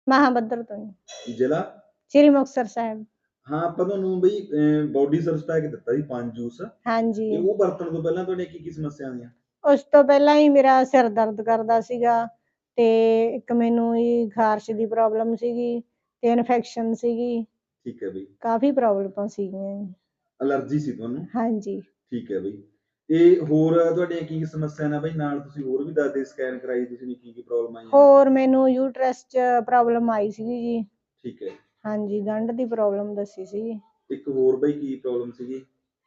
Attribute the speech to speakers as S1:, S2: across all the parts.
S1: ਮਹਾਬੱਦਰ ਤੋਂ ਜੀ,
S2: ਜ਼ਿਲ੍ਹਾ?
S1: ਸ੍ਰੀ ਮੁਕਤਸਰ ਸਾਹਿਬ।
S2: ਹਾਂ, ਆਪਾਂ ਤੁਹਾਨੂੰ ਬਈ ਬੋਡੀ ਸਰਵਿਸ ਪੈਕ ਦਿੱਤਾ ਸੀ 5 ਜੂਸ,
S1: ਹਾਂਜੀ।
S2: ਤੇ ਉਹ ਵਰਤਣ ਤੋਂ ਪਹਿਲਾਂ ਤੁਹਾਡੀਆਂ ਕੀ-ਕੀ ਸਮੱਸਿਆ ਆਈਆਂ?
S1: ਉਸ ਤੋਂ ਪਹਿਲਾਂ ਹੀ ਮੇਰਾ ਸਿਰ ਦਰਦ ਕਰਦਾ ਸੀਗਾ, ਤੇ ਇੱਕ ਮੈਨੂੰ ਜੀ ਖਾਰਸ਼ ਦੀ ਪ੍ਰੋਬਲਮ ਸੀਗੀ, ਤੇ ਇਨਫੈਕਸ਼ਨ ਸੀਗੀ।
S2: ਠੀਕ ਹੈ ਬਈ।
S1: ਕਾਫੀ ਪ੍ਰੋਬਲਮਾਂ ਸੀਗੀਆਂ ਜੀ।
S2: ਅਲਰਜੀ ਸੀ ਤੁਹਾਨੂੰ?
S1: ਹਾਂਜੀ।
S2: ਠੀਕ ਹੈ ਬਈ। ਤੇ ਹੋਰ ਤੁਹਾਡੀਆਂ ਕੀ ਸਮੱਸਿਆ ਨੇ ਬਈ? ਨਾਲ ਤੁਸੀਂ ਹੋਰ ਵੀ ਦੱਸਦੇ, ਸਕੈਨ ਕਰਾਈ ਤੁਸੀਂ ਨੇ, ਕੀ-ਕੀ ਪ੍ਰੋਬਲਮ ਆਈਆਂ?
S1: ਹੋਰ ਮੈਨੂੰ ਯੂਟਰਸ 'ਚ ਪ੍ਰੋਬਲਮ ਆਈ ਸੀਗੀ ਜੀ।
S2: ਠੀਕ ਹੈ।
S1: ਹਾਂਜੀ, ਗੰਢ ਦੀ ਪ੍ਰੋਬਲਮ ਦੱਸੀ ਸੀਗੀ।
S2: ਇੱਕ ਹੋਰ ਬਈ ਕੀ ਪ੍ਰੋਬਲਮ ਸੀਗੀ?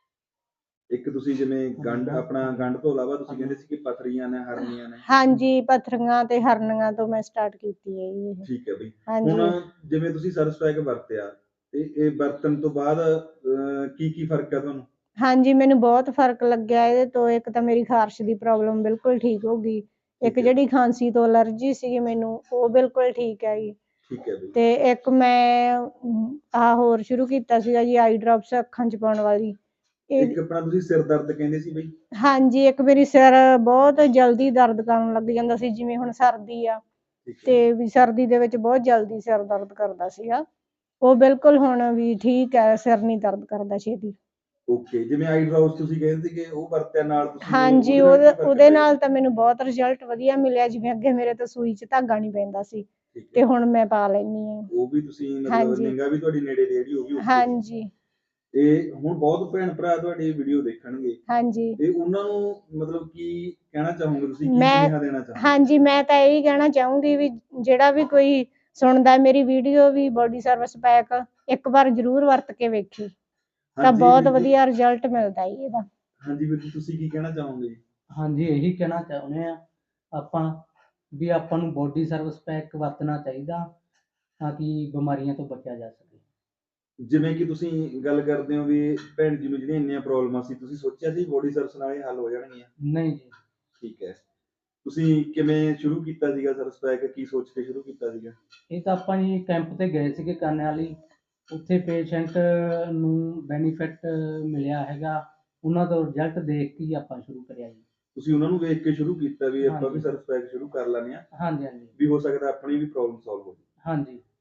S2: ਇੱਕ ਤੁਸੀਂ ਜਿਵੇਂ ਗੰਢ ਤੋਂ ਇਲਾਵਾ ਤੁਸੀਂ ਕਹਿੰਦੇ ਸੀ ਕਿ ਪੱਥਰੀਆਂ ਨੇ, ਹਰਨੀਆਂ ਨੇ।
S1: ਹਾਂਜੀ, ਪੱਥਰੀਆਂ ਤੇ ਹਰਨੀਆਂ ਤੋਂ ਮੈਂ ਸਟਾਰਟ ਕੀਤੀ ਹੈ ਜੀ ਇਹ।
S2: ਠੀਕ ਹੈ ਬਈ।
S1: ਹਾਂਜੀ।
S2: ਹੁਣ ਜਿਵੇਂ ਤੁਸੀਂ ਸਰਵਿਸ ਪੈਕ ਵਰਤਿਆ, ਤੇ ਇਹ ਵਰਤਣ ਤੋਂ ਬਾਅਦ ਕੀ-ਕੀ ਫਰਕ ਆ ਤੁਹਾਨੂੰ?
S1: ਹਾਂਜੀ, ਮੈਨੂੰ ਬਹੁਤ ਫਰਕ ਲੱਗਿਆ ਇਹਦੇ ਤੋਂ। ਇੱਕ ਤਾਂ ਮੇਰੀ ਖਾਰਸ਼ ਦੀ ਪ੍ਰੋਬਲਮ ਬਿਲਕੁਲ ਠੀਕ ਹੋ ਗਈ। ਇੱਕ ਜਿਹੜੀ ਖਾਂਸੀ ਤੋਂ ਅਲਰਜੀ ਸੀਗੀ ਮੈਨੂੰ, ਉਹ ਬਿਲਕੁਲ ਠੀਕ ਹੈ ਜੀ।
S2: ਠੀਕ ਹੈ ਬਈ।
S1: ਤੇ ਇੱਕ ਮੈਂ ਆਹ ਹੋਰ ਸ਼ੁਰੂ ਕੀਤਾ ਸੀਗਾ ਜੀ, ਆਈ ਡ੍ਰੌਪਸ ਅੱਖਾਂ 'ਚ ਪਾਉਣ ਵਾਲੀ।
S2: ਇੱਕ ਆਪਣਾ ਤੁਸੀਂ ਸਿਰ ਦਰਦ ਕਹਿੰਦੇ ਸੀ ਬਈ?
S1: ਹਾਂਜੀ, ਇੱਕ ਮੇਰੀ ਸਿਰ ਬਹੁਤ ਜਲਦੀ ਦਰਦ ਕਰਨ ਲੱਗ ਜਾਂਦਾ ਸੀ, ਜਿਵੇਂ ਹੁਣ ਸਰਦੀ ਆ, ਤੇ ਵੀ ਸਰਦੀ ਦੇ ਵਿੱਚ ਬਹੁਤ ਜਲਦੀ ਸਿਰ ਦਰਦ ਕਰਦਾ ਸੀਗਾ। ਉਹ ਬਿਲਕੁਲ ਹੁਣ ਵੀ ਠੀਕ ਹੈ, ਸਿਰ ਨਹੀਂ ਦਰਦ ਕਰਦਾ ਛੇਤੀ।
S2: ਓਕੇ, ਜਿਵੇਂ ਆਈ ਡ੍ਰੌਪਸ ਤੁਸੀਂ ਕਹਿੰਦੇ ਸੀਗੇ, ਉਹ ਵਰਤਿਆ ਨਾਲ ਤੁਸੀਂ?
S1: ਹਾਂਜੀ, ਉਹਦੇ ਨਾਲ ਤਾਂ ਮੈਨੂੰ ਬਹੁਤ ਰਿਜ਼ਲਟ ਵਧੀਆ ਮਿਲਿਆ। ਜਿਵੇਂ ਅੱਗੇ ਮੇਰੇ ਤੋਂ ਸੂਈ 'ਚ ਧਾਗਾ ਨਹੀਂ ਪੈਂਦਾ ਸੀ, ਤੇ ਹੁਣ ਮੈਂ ਪਾ ਲੈਂਦੀ ਹਾਂ।
S2: ਉਹ ਵੀ ਤੁਸੀਂ ਮਤਲਬ ਨਿਗਾਹ ਵੀ ਤੁਹਾਡੀ ਨੇੜੇ ਦੀ ਜਿਹੜੀ ਉਹ ਵੀ?
S1: ਹਾਂਜੀ।
S2: ਤੇ ਹੁਣ ਬਹੁਤ ਭੈਣ ਭਰਾ ਤੁਹਾਡੀ ਵੀਡੀਓ ਦੇਖਣਗੇ।
S1: ਹਾਂਜੀ।
S2: ਤੇ ਉਹਨਾਂ ਨੂੰ ਮਤਲਬ ਕੀ ਕਹਿਣਾ ਚਾਹੋਗੇ ਤੁਸੀਂ? ਕੀ ਸੁਨੇਹਾ ਦੇਣਾ ਚਾਹੋਗੇ?
S1: ਹਾਂਜੀ, ਮੈਂ ਤਾਂ ਇਹੀ ਕਹਿਣਾ ਚਾਹੂੰਗੀ ਵੀ ਜਿਹੜਾ ਵੀ ਕੋਈ ਸੁਣਦਾ ਮੇਰੀ ਵੀਡੀਓ, ਵੀ ਬੋਡੀ ਸਰਵਿਸ ਪੈਕ ਇੱਕ ਵਾਰ ਜ਼ਰੂਰ ਵਰਤ ਕੇ ਵੇਖੀ, ਤਾਂ ਬਹੁਤ ਵਧੀਆ ਰਿਜ਼ਲਟ ਮਿਲਦਾ ਜੀ ਇਹਦਾ।
S2: ਹਾਂਜੀ ਵੀਰ ਜੀ, ਤੁਸੀਂ ਕੀ ਕਹਿਣਾ ਚਾਹੋਗੇ?
S3: ਹਾਂਜੀ, ਇਹੀ ਕਹਿਣਾ ਚਾਹੁੰਦੇ ਆ ਆਪਾਂ ਵੀ ਆਪਾਂ ਨੂੰ ਬੋਡੀ ਸਰਵਿਸ ਪੈਕ ਵਰਤਣਾ ਚਾਹੀਦਾ, ਤਾਂ ਕਿ ਬਿਮਾਰੀਆਂ ਤੋਂ ਬਚਿਆ ਜਾ ਸਕੇ।
S2: ਜਿਵੇਂ ਕਿ ਤੁਸੀਂ ਗੱਲ ਕਰਦੇ ਹੋ ਵੀ ਭੈਣ ਜੀ ਨੂੰ ਜਿਹੜੀਆਂ ਇੰਨੀਆਂ ਪ੍ਰੋਬਲਮਾਂ ਸੀ, ਤੁਸੀਂ ਸੋਚਿਆ ਸੀ ਬੋਡੀ ਸਰਵਿਸ ਨਾਲ ਇਹ ਹੱਲ ਹੋ ਜਾਣਗੀਆਂ?
S3: ਨਹੀਂ ਜੀ।
S2: ਠੀਕ ਹੈ। ਤੁਸੀਂ ਕਿਵੇਂ ਸ਼ੁਰੂ ਕੀਤਾ ਸੀਗਾ ਸਰਵਿਸ ਪੈਕ? ਕੀ ਸੋਚ ਕੇ ਸ਼ੁਰੂ ਕੀਤਾ ਸੀਗਾ?
S3: ਇਹ ਤਾਂ ਆਪਾਂ ਜੀ ਕੈਂਪ ਤੇ ਗਏ ਸੀਗੇ ਕਾਨੇ ਵਾਲੀ, ਉੱਥੇ ਪੇਸ਼ੈਂਟ ਨੂੰ ਬੈਨੀਫਿਟ ਮਿਲਿਆ ਹੈਗਾ, ਉਹਨਾਂ ਤੋਂ ਰਿਜ਼ਲਟ ਦੇਖ ਕੇ ਹੀ ਆਪਾਂ ਸ਼ੁਰੂ ਕਰਿਆ ਜੀ।
S2: ਤੁਸੀਂ ਉਹਨਾਂ ਨੂੰ ਵੇਖ ਕੇ ਸ਼ੁਰੂ ਕੀਤਾ ਵੀ ਆਪਾਂ ਵੀ ਸਰਵਿਸ ਪੈਕ ਸ਼ੁਰੂ ਕਰ ਲੈਂਦੇ ਹਾਂ?
S3: ਹਾਂਜੀ ਹਾਂਜੀ।
S2: ਵੀ ਹੋ ਸਕਦਾ ਆਪਣੀ ਵੀ ਪ੍ਰੋਬਲਮ ਸੋਲਵ ਹੋ ਜਾਵੇ।
S3: ਹਾਂਜੀ।